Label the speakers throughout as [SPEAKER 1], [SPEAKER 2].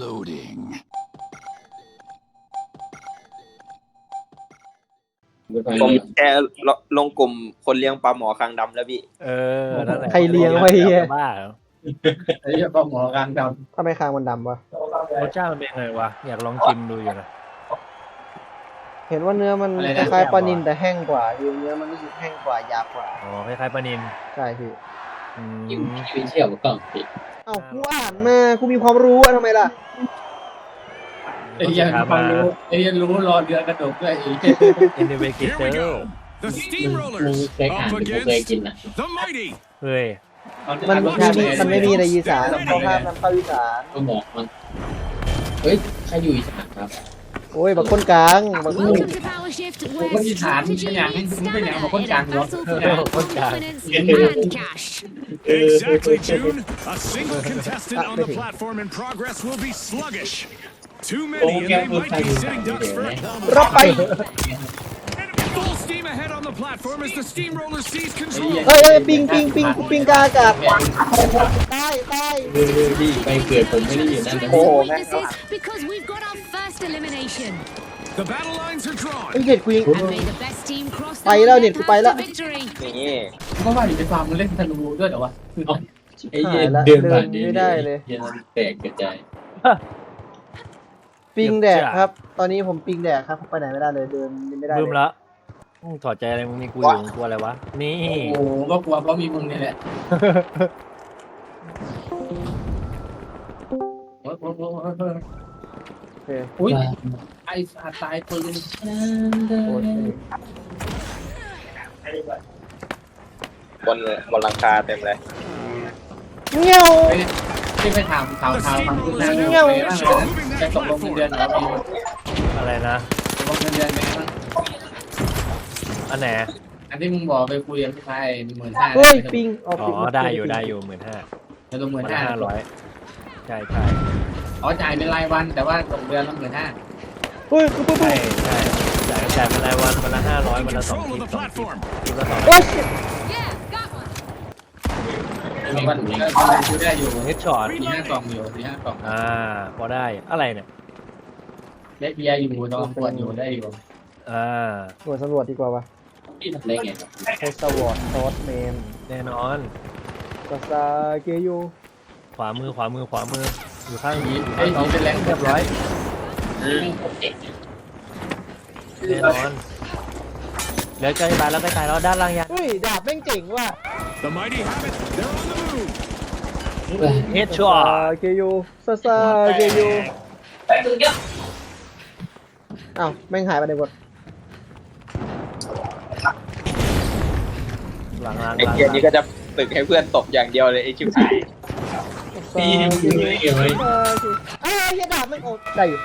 [SPEAKER 1] Loading.
[SPEAKER 2] ผมแชร์ลงกลุ่มคนเลี้ยงปลาหมอคางดำแล้วพี่
[SPEAKER 3] นั่นแหละ
[SPEAKER 4] ใครเลี้ยงไว้เฮีย
[SPEAKER 3] บ้าเหรอ
[SPEAKER 5] ไอ้เหี้ยปลาหมอกลางด
[SPEAKER 4] ทำไมคางมันดำวะ
[SPEAKER 3] รสชาติมันเป็นไงวะอยากลองชิมดูอยู่นะ
[SPEAKER 4] เห็นว่าเนื้อมันคล้ายๆปลานิลแต่แห้งกว่าคือเนื้อมันรู้สึกแห้งกว่าหยาบกว่า
[SPEAKER 3] อ๋อคล้ายๆปลานิล
[SPEAKER 4] ใช่พี่
[SPEAKER 5] ำยิ่งไม่เชื่อมันก็ผิด
[SPEAKER 4] เอ้ากูอ่านมากูมีความรู้อะทำไมล่ะ
[SPEAKER 5] ไอ้เหี้ยความรู้ไอ้เหี้ยรู้รอเดือนกระดกด้วยไอ้เหี้ย
[SPEAKER 3] อินเดเวกิเต
[SPEAKER 1] Here
[SPEAKER 3] อ
[SPEAKER 1] we
[SPEAKER 3] ร์
[SPEAKER 1] go. The
[SPEAKER 5] มึง
[SPEAKER 1] Steamrollers
[SPEAKER 5] เคยอ่าน
[SPEAKER 1] up
[SPEAKER 5] มึงเคย
[SPEAKER 1] against
[SPEAKER 5] กินนะ
[SPEAKER 1] the Mighty.
[SPEAKER 3] เฮ้ย
[SPEAKER 4] มันไม่มีในอีสานเขาห้ามนำเข้าอีสาน
[SPEAKER 5] ก็บอกมันเฮ้ยใครอยู่อีสานครับ
[SPEAKER 4] โอ้ยบักคนกลางบักคน
[SPEAKER 6] Welcome to Power Shift, where strategy meets stamina in a battle for confidence and cash.
[SPEAKER 1] Exactly, June. A single contestant on the platform in progress will be sluggish. Too many, and they might be sitting ducks for a
[SPEAKER 4] รับไป
[SPEAKER 1] full steam ahead on the platform as the Steamroller seize control.
[SPEAKER 4] เอ้ยปิงกาอากาศตาย
[SPEAKER 5] ดีไปเกิดผมไม่ได้อยู่นั่นนะ
[SPEAKER 6] Weaknesses because we've got our first elimination.
[SPEAKER 1] The battle lines are drawn.
[SPEAKER 4] ไอ้เด็ดกูยิง
[SPEAKER 6] And may the best team cross the
[SPEAKER 4] ไปแล้วเนี่ยกูไปแล้ว
[SPEAKER 6] path to victory.
[SPEAKER 2] นี่
[SPEAKER 5] เพราะว่าอยู่ในฟาร์มมันเล่นธนูด้วยเหรอวะไอ้เหี้ย
[SPEAKER 4] หายละ
[SPEAKER 5] เดินผ่าน
[SPEAKER 4] เดินไม่ได้เลย
[SPEAKER 5] เหี้ยแตกกระจาย
[SPEAKER 4] ปิงแดกครับ ตอนนี้ผมปิงแดกครับไปไหนไม่ได้เลยเดินไม่ได้
[SPEAKER 3] บึ้ม
[SPEAKER 4] เลย
[SPEAKER 3] ละถอดใจอะไรมึงมีกูอยู่มึงกลัวอะไรวะนี่
[SPEAKER 5] โอ้โหก็กลัวเพราะมีมึงนี่แหละโอ้โห
[SPEAKER 4] โอเค
[SPEAKER 5] อุ้ยไอ้สัตว์ตายปืน
[SPEAKER 4] โอ้ย
[SPEAKER 2] บนหลังคาเต็มเลย
[SPEAKER 4] เงี้ยว
[SPEAKER 5] ที่ไปถามข่าว
[SPEAKER 1] The
[SPEAKER 5] ทางคุณ
[SPEAKER 1] Steamrollers
[SPEAKER 5] นาย
[SPEAKER 1] are
[SPEAKER 5] ไป
[SPEAKER 1] now
[SPEAKER 5] บ้าง
[SPEAKER 1] moving
[SPEAKER 5] จะ
[SPEAKER 1] that
[SPEAKER 5] ตกลงเงิน
[SPEAKER 1] platform.
[SPEAKER 5] เดือนเหรอ
[SPEAKER 3] อะไรนะ
[SPEAKER 5] ตกลงเงินเดือนไหมบ้าง
[SPEAKER 3] อันไหน
[SPEAKER 5] อันที่มึงบอกไปคุยกับพี่ชาย15,000
[SPEAKER 4] เฮ้ยปิง
[SPEAKER 3] อ๋อได้อยู่15,000
[SPEAKER 5] จะลง
[SPEAKER 3] มัน
[SPEAKER 5] 15,000
[SPEAKER 3] 500ใช่
[SPEAKER 5] อ๋อจ่ายเป็นรายวันแต่ว่าตกเดือนละ15,000
[SPEAKER 4] เฮ้ยปุ๊บ
[SPEAKER 3] ใช่จ่ายเป็นรายวันวันละ500
[SPEAKER 1] In
[SPEAKER 3] วันละ2
[SPEAKER 1] control
[SPEAKER 3] ที
[SPEAKER 1] of the platform.
[SPEAKER 3] ทีละ2
[SPEAKER 4] โอ้ย
[SPEAKER 6] Yeah, got one.
[SPEAKER 5] วันก็คุยได้อยู่
[SPEAKER 3] เฮดช็อต
[SPEAKER 5] 4-5 กล่องอยู่4-5 กล่อง
[SPEAKER 3] พอได้อะไรเนี่ย
[SPEAKER 5] ได้เบียร์อยู่ต้องขวดอยู่ได้อยู่
[SPEAKER 4] หน่วยสำรวจดีกว่าวะ
[SPEAKER 5] ที่ทำได้ไง
[SPEAKER 4] โคสวอร์ดซอสเมน
[SPEAKER 3] แน่นอน
[SPEAKER 4] กาซาเกยู
[SPEAKER 3] ขวามืออยู่ข้างนี้
[SPEAKER 5] ไอ้นี่เป็นแรง
[SPEAKER 3] เรียบร้อยแน่นอนเดี๋ยวใกล้ตายแล้วด้านล่างยัง
[SPEAKER 4] เฮ้ยดาบแม่งเจ๋งว่ะ
[SPEAKER 1] The Mighty have it. They're on the move.
[SPEAKER 3] เฮดช็อต
[SPEAKER 4] เกยูซาซาเกยูอ้าวแม่งหายไปไหนหมด
[SPEAKER 3] หลัง
[SPEAKER 2] ไอ้เกียร์นี้ก็จะตึกให้เพื่อนตบอย่างเดียวเลยไอ้ชิบหาย
[SPEAKER 5] ตียังอยู่เลยเกี่ยวไหม
[SPEAKER 4] อ้าวเฮียดาบแม่งโอ้ได้อยู่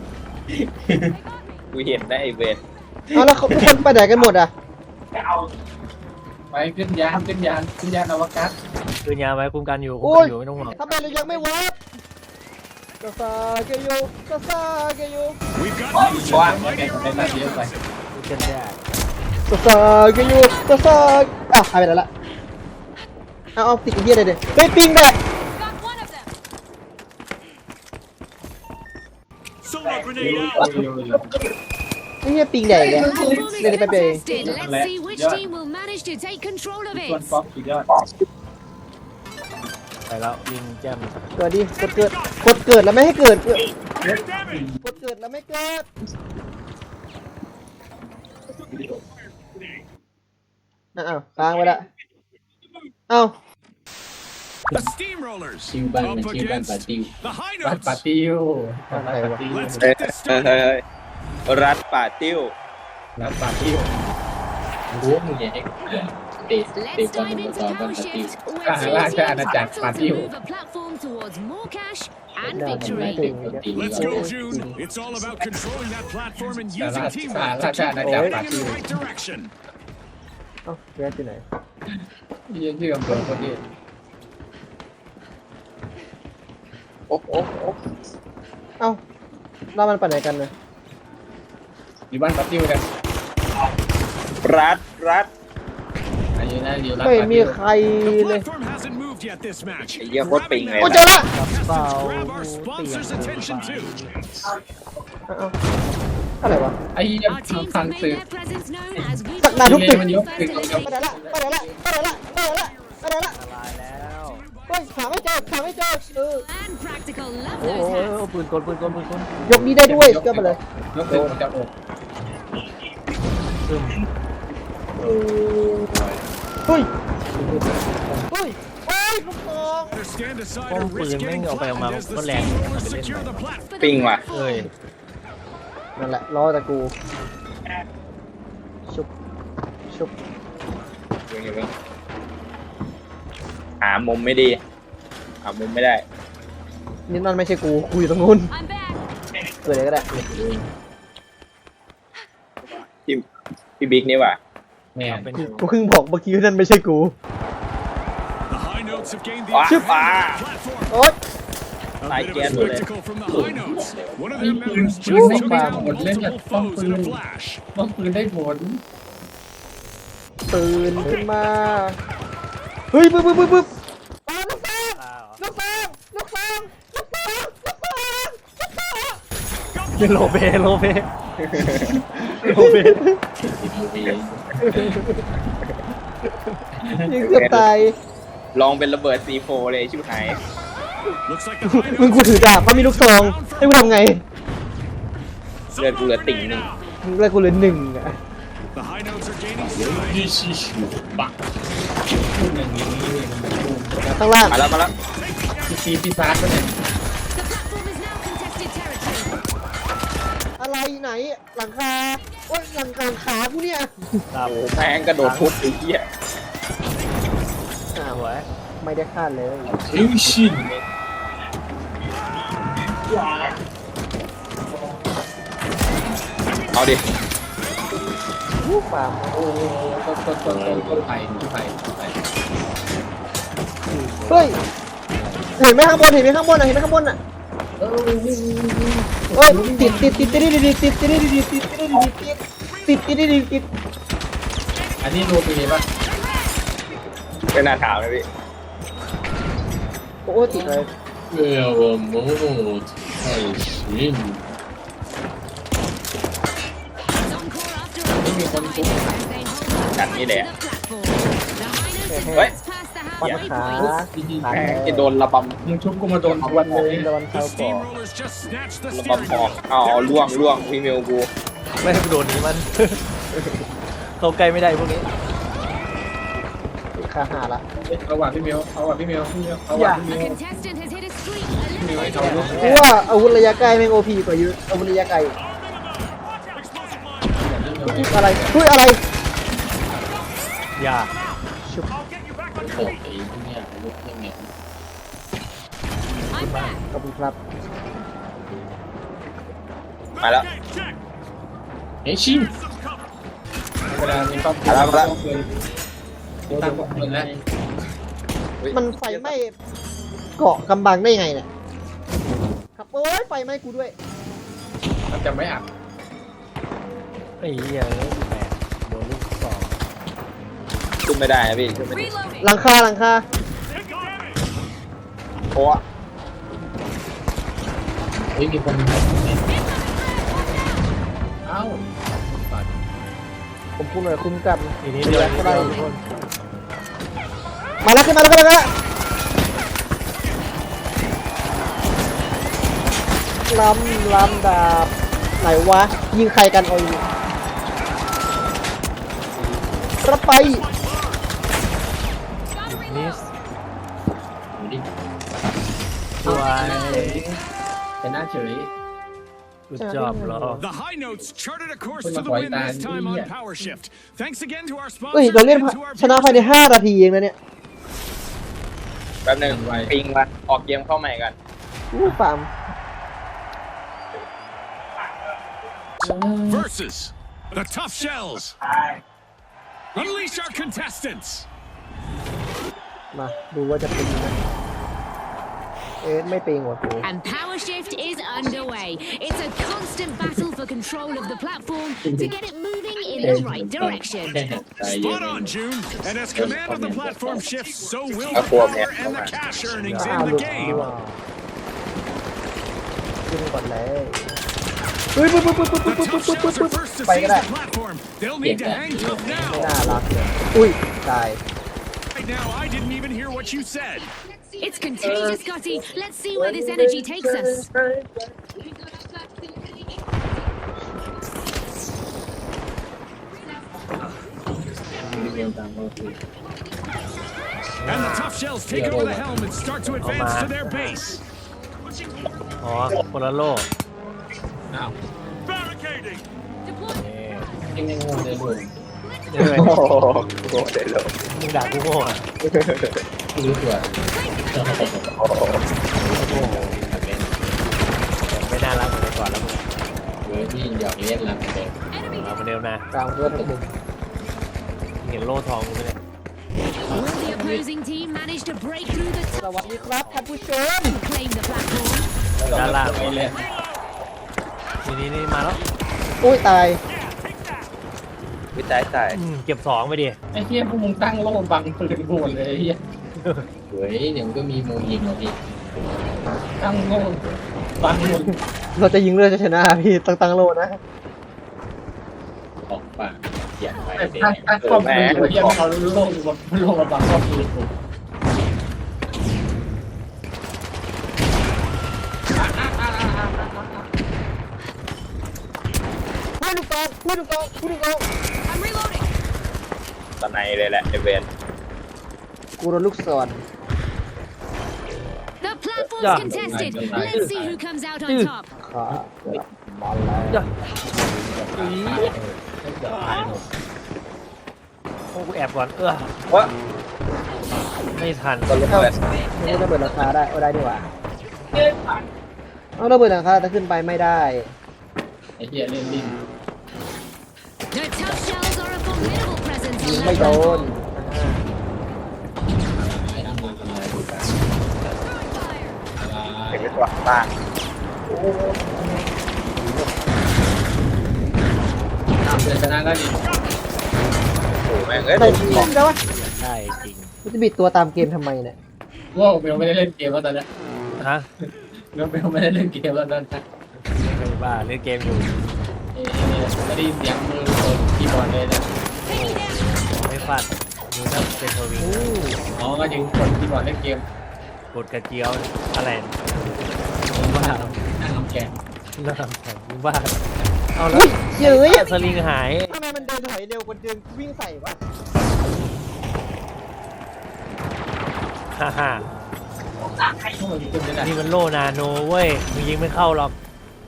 [SPEAKER 2] กูเห็นนะไอ้เวร
[SPEAKER 4] เอาแล้วทุกคนไปไหนกันหมดอ่ะ
[SPEAKER 5] ไปขึ้นยานอวกาศ
[SPEAKER 3] คืนยาไว้คุ้มกันอยู่ไม่ต้องห่วง
[SPEAKER 4] ทำไมเรายังไม่วับกาซาเกยูกาซาเกยู
[SPEAKER 1] We've got news from the
[SPEAKER 5] ไป
[SPEAKER 1] Mighty
[SPEAKER 5] ไป
[SPEAKER 1] are
[SPEAKER 5] ตัด
[SPEAKER 1] on
[SPEAKER 5] เย
[SPEAKER 1] the
[SPEAKER 5] อะไป
[SPEAKER 1] move.
[SPEAKER 3] คุยกันยาก
[SPEAKER 4] กาซาเกยูกาซาอ้าวหายไปไหนละเอาติดเฮียเลยเด็กเฮ้ยปิงแบบ
[SPEAKER 6] Got one of them.
[SPEAKER 1] Solar grenade out.
[SPEAKER 4] เฮียปิงใหญ่เลย
[SPEAKER 6] Platform is
[SPEAKER 4] Let it be.
[SPEAKER 6] contested. Let's see which team will manage to take control of
[SPEAKER 5] ส่วน
[SPEAKER 6] it.
[SPEAKER 5] ป๊อปสุดยอด
[SPEAKER 3] ไปแล้วยิงแจ้ม
[SPEAKER 4] เกิดดิกดเกิดแล้วไม่ให้เกิด
[SPEAKER 1] Take damage.
[SPEAKER 4] กดเกิดแล้วไม่เกิดอ้าวค้างไปละเอ้า
[SPEAKER 1] The Steamrollers
[SPEAKER 5] ชิวบ้าน
[SPEAKER 1] up
[SPEAKER 5] ชิวบ้าน
[SPEAKER 1] against
[SPEAKER 5] ปาติว
[SPEAKER 1] the High
[SPEAKER 5] บ้าน
[SPEAKER 1] Notes.
[SPEAKER 5] ปาติว
[SPEAKER 1] Let's
[SPEAKER 2] เฮ้ย
[SPEAKER 1] get this
[SPEAKER 2] เฮ้ย
[SPEAKER 1] started.
[SPEAKER 2] เฮ้ยรัดป่าติ้ว
[SPEAKER 5] บ้านปาติวรู้มึงอย่าให้เตะ
[SPEAKER 6] Let's
[SPEAKER 5] บอล
[SPEAKER 6] dive
[SPEAKER 5] บน
[SPEAKER 6] into
[SPEAKER 5] จอบ้าน
[SPEAKER 6] Power
[SPEAKER 5] ปาติว
[SPEAKER 6] Shift, where two teams battle to move a platform towards more cash and victory.
[SPEAKER 1] Let's go, June. It's all about controlling that platform and using
[SPEAKER 5] Salah-
[SPEAKER 1] teamwork to
[SPEAKER 5] Salah-
[SPEAKER 1] keep
[SPEAKER 5] Salah-
[SPEAKER 1] moving in
[SPEAKER 5] Salah-
[SPEAKER 1] the right direction.
[SPEAKER 4] เอ้าแย่ที่ไหน
[SPEAKER 5] ยังชื่ออำเภอคนนี้
[SPEAKER 2] โอ้โห
[SPEAKER 4] เอ้าแล้วมันไปไหนกันเนี่ย
[SPEAKER 5] อยู่บ้านปาติวกัน
[SPEAKER 2] รัด
[SPEAKER 5] อายุน่าอยู่รัก
[SPEAKER 4] ไม่
[SPEAKER 5] ปา
[SPEAKER 4] มี
[SPEAKER 5] ติว
[SPEAKER 4] ใคร
[SPEAKER 1] The
[SPEAKER 4] เลย
[SPEAKER 1] platform hasn't moved involved yet this match.
[SPEAKER 2] ไอ้เหี้ยโคตรปิงเลย
[SPEAKER 4] โอ้เจอละ
[SPEAKER 1] Contestants, grab our sponsors' attention too.
[SPEAKER 4] อะไรวะ
[SPEAKER 5] ไอ้เหี้ย
[SPEAKER 6] Our teams
[SPEAKER 5] ฟัง
[SPEAKER 6] have made
[SPEAKER 5] สื่อ
[SPEAKER 6] their presence known as we
[SPEAKER 4] สักนาทุกตึก
[SPEAKER 5] มันยกตึก
[SPEAKER 4] ไปไหนละไปไหนละไปไหนละไปไหนละไปไหนละ
[SPEAKER 3] ตายแล้ว
[SPEAKER 4] เฮ้ยหาไม่เจอหาไม่เจอ
[SPEAKER 6] and practical love
[SPEAKER 3] โอ้
[SPEAKER 6] those
[SPEAKER 3] โห
[SPEAKER 6] hats.
[SPEAKER 3] ปืนกลปืนกลปืนกล
[SPEAKER 4] ยกนี้ได้ด้วยก็มาเลย
[SPEAKER 5] ยกตึกมันจะอก
[SPEAKER 3] ซึม
[SPEAKER 4] เฮ้ยเฮ้ยเฮ้ยลูกทอง
[SPEAKER 1] Either stand aside
[SPEAKER 3] ป้อ
[SPEAKER 1] or
[SPEAKER 3] มปืน
[SPEAKER 1] risk
[SPEAKER 3] แม่ง
[SPEAKER 1] getting
[SPEAKER 3] เอาไปเอามา
[SPEAKER 1] flattened as the
[SPEAKER 3] ก็แรง
[SPEAKER 1] steamrollers
[SPEAKER 3] ทำไปเล่น
[SPEAKER 1] secure
[SPEAKER 3] ไป
[SPEAKER 1] the platform.
[SPEAKER 2] ปิงว่ะ
[SPEAKER 3] เอ้ย
[SPEAKER 4] นั่นแหละรอแต่กูชุบชุบ
[SPEAKER 2] หามุมไม่ดีหามุมไม่ได้
[SPEAKER 4] นี่นั่นไม่ใช่กูอยู่ตรงนู้น
[SPEAKER 6] I'm back.
[SPEAKER 4] เกิดอะไรก็ได้
[SPEAKER 2] พี่บิ๊กนี่ว่ะ
[SPEAKER 5] แม่
[SPEAKER 3] เป็น
[SPEAKER 4] กูเพิ่งบอกเมื่อกี้ว่านั่นไม่ใช่กู
[SPEAKER 1] The high notes have gained the
[SPEAKER 2] Ah,
[SPEAKER 1] advantage
[SPEAKER 2] ah.
[SPEAKER 1] on the platform.
[SPEAKER 4] โอ๊ย
[SPEAKER 1] A bit of a
[SPEAKER 2] can't do that.
[SPEAKER 1] spectacle from the high notes. One of their members just
[SPEAKER 4] Ooh.
[SPEAKER 1] took down
[SPEAKER 5] Ooh.
[SPEAKER 1] multiple foes in a flash.
[SPEAKER 5] ป้อมปืนได้ผล
[SPEAKER 4] ตื่นขึ้นมาเฮ้ยปึ๊บปึ๊บปึ๊บปึ๊บลูกฟางลูกฟางลูกฟางลูกฟางลูกฟางลูกฟาง
[SPEAKER 3] เป็นโลเบโลเบโลเบ
[SPEAKER 4] ยังเกือบตาย
[SPEAKER 2] ลองเป็นระเบิด C4 เลยชิบหาย
[SPEAKER 1] Looks like the high
[SPEAKER 4] มึง
[SPEAKER 1] notes
[SPEAKER 4] กูถือดาบเพราะมีลูกซองให้กูทำไง
[SPEAKER 2] เลือดกูเหลือติ่งหนึ่ง
[SPEAKER 4] มึงเลยกูเหลือหนึ่งอะ
[SPEAKER 1] The high notes are gaining stride.
[SPEAKER 4] ข้างล่าง
[SPEAKER 2] มาแล้วมาแล้ว
[SPEAKER 5] ปีปีศาจมันเนี่ย
[SPEAKER 6] The platform is now contested territory.
[SPEAKER 4] อะไรไหนหลังคาโอ๊ยหลังขากูเนี่ย
[SPEAKER 3] ครับ
[SPEAKER 2] โอ้แม่งกระโดดทุบไอ้เหี้ย
[SPEAKER 4] อ้าว
[SPEAKER 3] สวย
[SPEAKER 4] ไม่ได้คาดเลย
[SPEAKER 2] เอาดิ
[SPEAKER 4] วู้ปาม
[SPEAKER 5] โอ้โหต้นไผ่ต้นไผ่ต้นไผ่
[SPEAKER 4] เฮ้ยเห็นไหมข้างบนเห็นไหมข้างบนอ่ะเห็นไหมข้างบนอ่ะเฮ้ยติดติดติดติดติดติดติดติดติดติดติดติดติดติดติด
[SPEAKER 5] อันนี้โรตีป่ะ
[SPEAKER 2] ไม่น่าถามเลยพี่
[SPEAKER 4] โอ้ติดเลย
[SPEAKER 6] Encore after a long time as they hold up
[SPEAKER 2] Đặt như
[SPEAKER 6] to
[SPEAKER 2] đẻ.
[SPEAKER 6] the platform. The high notes
[SPEAKER 2] Ôi.
[SPEAKER 6] advance past the
[SPEAKER 4] ปัด
[SPEAKER 6] halfway
[SPEAKER 4] ขา
[SPEAKER 6] point.
[SPEAKER 4] ขา
[SPEAKER 2] แม่งจะโดนระบ
[SPEAKER 5] มึงชุบกูมาโดนทวนเลย
[SPEAKER 4] โดน
[SPEAKER 1] The
[SPEAKER 4] เข้าก่อ
[SPEAKER 1] steamrollers just snatched the
[SPEAKER 2] ำระ
[SPEAKER 1] steering
[SPEAKER 2] บำออก
[SPEAKER 1] wheel.
[SPEAKER 2] เอาล่วงล่วงพี่เมลกู
[SPEAKER 3] ไม่ให้กูโดนนี้มัน เข้าใกล้ไม่ได้พวกนี้
[SPEAKER 4] ขาหาละ
[SPEAKER 5] เอาว่ะพี่เมียวเอาว่ะพี่เมียวพี่เมียวเอาว่ะพี่
[SPEAKER 6] A
[SPEAKER 5] เมียว
[SPEAKER 6] contestant has hit a streak.
[SPEAKER 5] พี่เมียวไอ้
[SPEAKER 6] Eliminated.
[SPEAKER 5] เขาลูก
[SPEAKER 4] กูว่าอาวุธระยะไกลแม่งโอพีกว่าเยอะอาวุธระยะไกลอะไรเฮ้ยอะไร
[SPEAKER 3] อย่า
[SPEAKER 4] ชุบ
[SPEAKER 6] I'm back.
[SPEAKER 4] ขอบคุณครับ
[SPEAKER 2] มาแล้ว
[SPEAKER 5] เวลามีต้อง
[SPEAKER 2] มาแล้วมาแล้ว
[SPEAKER 5] ตั้งป้อมปืนแล้ว
[SPEAKER 4] มันไฟไหม้เกาะกำบังได้ยังไงเนี่ยครับโอ้ยไฟไหม้กูด้วย
[SPEAKER 5] มันจะไม่อับ
[SPEAKER 3] ไอ้เหี้ยแหมโดนลูกสอง
[SPEAKER 2] ขึ้นไม่ได้นะพี่ขึ้นไม่ได้
[SPEAKER 6] Reloading.
[SPEAKER 4] หลังคาหลังคา
[SPEAKER 2] โอ้
[SPEAKER 5] เฮ้ยมีคนเอ้า
[SPEAKER 4] ผมพูดเลยคุ้มกัน
[SPEAKER 3] ทีนี้เดียว
[SPEAKER 4] ก็ได้
[SPEAKER 3] ทุกคน
[SPEAKER 4] มาแล้วขึ้นมาแล้วขึ้นมาแล้วลำดาบไหนวะยิงใครกันเอาอยู่รับไป
[SPEAKER 3] นิสสวย
[SPEAKER 5] แต่หน้าเฉย
[SPEAKER 3] กูจอบเหรอ
[SPEAKER 1] The high notes charted a course
[SPEAKER 5] Put
[SPEAKER 1] to
[SPEAKER 5] my
[SPEAKER 1] the win
[SPEAKER 5] white
[SPEAKER 1] this
[SPEAKER 5] band
[SPEAKER 1] time
[SPEAKER 5] in
[SPEAKER 1] on
[SPEAKER 5] here.
[SPEAKER 1] Power Shift. Thanks again to our
[SPEAKER 4] เฮ้ย
[SPEAKER 1] sponsor
[SPEAKER 4] เราเล่น
[SPEAKER 1] and to our
[SPEAKER 4] ชนะภายใน5 นาทีเองนะเนี่ย
[SPEAKER 2] แป๊บหนึงปิงมาออกเกมเข้าใหม่กัน
[SPEAKER 4] อู้ฟาร์ม
[SPEAKER 1] versus the Tough Shells. Unleash our contestants.
[SPEAKER 4] มาดูว่าจะเป็นยังไงไม่เป็นหัวกู
[SPEAKER 6] And Power Shift is underway. It's a constant battle for control of the platform to get it moving in in the right direction.
[SPEAKER 1] Spot on, June. And as command of the platform shifts, so will the
[SPEAKER 2] Aquaman.
[SPEAKER 1] power and the cash earnings
[SPEAKER 4] อ้าว
[SPEAKER 1] in
[SPEAKER 4] หลุ
[SPEAKER 1] the
[SPEAKER 4] ดดี
[SPEAKER 1] game.
[SPEAKER 4] ว่าขึ้นก่อนเลยเฮ้ยปุ๊บปุ๊บปุ๊บปุ๊บ
[SPEAKER 1] The
[SPEAKER 4] ปุ๊บปุ๊บ
[SPEAKER 1] tough
[SPEAKER 4] ปุ๊บ
[SPEAKER 1] shells
[SPEAKER 4] ปุ๊บ
[SPEAKER 1] are first to
[SPEAKER 4] ไป
[SPEAKER 1] seize
[SPEAKER 4] ก็ได้
[SPEAKER 1] the platform. They'll need to hang tough
[SPEAKER 4] ไม่
[SPEAKER 1] now.
[SPEAKER 4] น่ารักเลยอุ้ยตาย
[SPEAKER 1] Right now, I didn't even hear what you said.
[SPEAKER 6] It's contagious, Scotty. Let's see where this energy takes us.
[SPEAKER 1] And the tough shells take over the helm and start to advance to their base.
[SPEAKER 3] อ๋อคนละโลก
[SPEAKER 1] Barricading.
[SPEAKER 3] นี่
[SPEAKER 5] ยังงงเลยด้วย
[SPEAKER 3] เฮ้ย
[SPEAKER 2] โอ้โหเดี๋ยวเลย
[SPEAKER 3] มึงด่ากูโง่อะ
[SPEAKER 5] รู้ตัว
[SPEAKER 2] โอ้โห
[SPEAKER 3] ไม่น่ารักเหมือนแต่ก่อนแล้วมึง
[SPEAKER 5] เว้ยพี่อยากเล่นแล้วแต่
[SPEAKER 3] เอามาเร็วนะ
[SPEAKER 4] กลางเพื่อนหนึ่ง
[SPEAKER 3] เห็นโล่ทองกูไหมเนี่ย
[SPEAKER 6] Will the opposing team manage to break through the
[SPEAKER 4] สวัสดีครับท่านผู้ชม
[SPEAKER 6] and claim the platform?
[SPEAKER 3] ด้านล่าง
[SPEAKER 5] ไปเล่น
[SPEAKER 3] นี่มาแล้ว
[SPEAKER 4] อุ้ยตาย
[SPEAKER 2] วิจัยตาย
[SPEAKER 3] เก็บสองไปดิ
[SPEAKER 5] ไอ้เหี้ยพวกมึงตั้งโล่บังปืนโหดเลยไอ้เหี้ยเฮ้ยเดี๋ยวมันก็มีมุมยิงเหรอพี่ตั้งโล่บังหมด
[SPEAKER 4] เราจะยิงเรือจะชนะพี่ตั้งโลนะ
[SPEAKER 5] ออกปากอย่าไปตั้งครอบครัวเหี้ยเอาโล่มาบังครอบครัวกู
[SPEAKER 4] พูดถูกต้องพูดถูกต้องพูดถูกต้อง
[SPEAKER 6] I'm reloading.
[SPEAKER 2] ตอนไหนเลยแหละไอเวน
[SPEAKER 4] กูโดนลูกศร
[SPEAKER 6] The platform's contested. Let's see who comes out on top.
[SPEAKER 4] ขามาแล้ว
[SPEAKER 3] โอ้กูแอบก่อน
[SPEAKER 2] ว่า
[SPEAKER 3] ไม่ทัน
[SPEAKER 2] ก็รู้แบบ
[SPEAKER 4] ไม่ได้ระเบิดราคาได้เอาได้ดีกว่าเอาระเบิดราคาแต่ขึ้นไปไม่ได้
[SPEAKER 5] ไอ้เหี้ยเล่นลิ้น
[SPEAKER 6] The tough shells are a formidable presence
[SPEAKER 4] ยิง
[SPEAKER 6] on
[SPEAKER 4] ไม่
[SPEAKER 6] that
[SPEAKER 4] โด
[SPEAKER 6] platform.
[SPEAKER 4] น
[SPEAKER 5] ไอ้ทำอะไรดูกัน
[SPEAKER 2] เห็นเป็นตัวบ้าง
[SPEAKER 5] เดือนชนะก็ดี
[SPEAKER 2] โอ้โหแม่งเอ้ย
[SPEAKER 4] แต่จริงได้วะ
[SPEAKER 3] ได้จริง
[SPEAKER 4] มันจะบิดตัวตามเกมทำไมเนี่ย
[SPEAKER 5] ว่าเบลไม่ได้เล่นเกมแล้วตอนนี้
[SPEAKER 3] ฮะ
[SPEAKER 5] เบลไม่ได้เล่นเกมแล้วตอนนี้
[SPEAKER 3] ไม่บ้าเล่นเกมอยู่
[SPEAKER 5] ไม่ได้ยินเสียงมือคีย์บอร์ดเลยนะ
[SPEAKER 3] ไม่ฟัดดูถ้าเป็นทวิง
[SPEAKER 5] อ๋อก็ยังกดคีย์บอร์ดเล่นเกม
[SPEAKER 3] กดกระเจียวอะไรบ้า
[SPEAKER 5] นั่งทำแกง
[SPEAKER 3] น่าทำแข็งบ้าเอาแล้ว
[SPEAKER 4] เย้ย
[SPEAKER 3] สลิงหาย
[SPEAKER 4] ทำไมมันเดินถอยเร็วกว่าเดินวิ่งใส่วะ
[SPEAKER 3] ฮ่าฮ่า
[SPEAKER 5] พวกมันขึ้นไม่ได้
[SPEAKER 3] นี่มันโลนาโนเว้ยมึงยิงไม่เข้าหรอก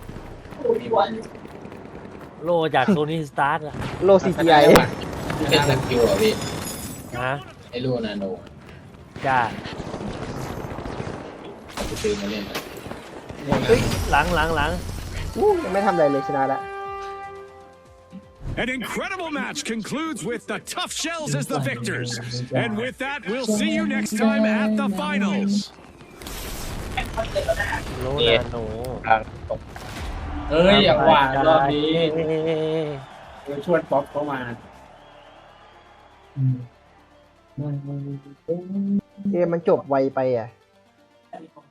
[SPEAKER 3] โลจากโซนี่สตาร์ทอะ
[SPEAKER 4] โล CGI
[SPEAKER 5] เป็นสกิลเหรอพี่
[SPEAKER 3] ฮะ
[SPEAKER 5] ไอ้ลูนาโน
[SPEAKER 3] จ้า
[SPEAKER 5] ไปซื้อมาเล่น
[SPEAKER 3] เฮ้ยหลัง
[SPEAKER 4] ยังไม่ทำอะไรเลยชนะแล้ว
[SPEAKER 1] An incredible match concludes with the tough shells as the victors. And with that, we'll see you next time at the finals.
[SPEAKER 3] โลนาโน
[SPEAKER 2] กลางตก
[SPEAKER 5] เฮ้ยอย่างหวานรอบนี้ชวนป๊อปเข้ามา
[SPEAKER 4] เกมมันจบไวไปอ่ะ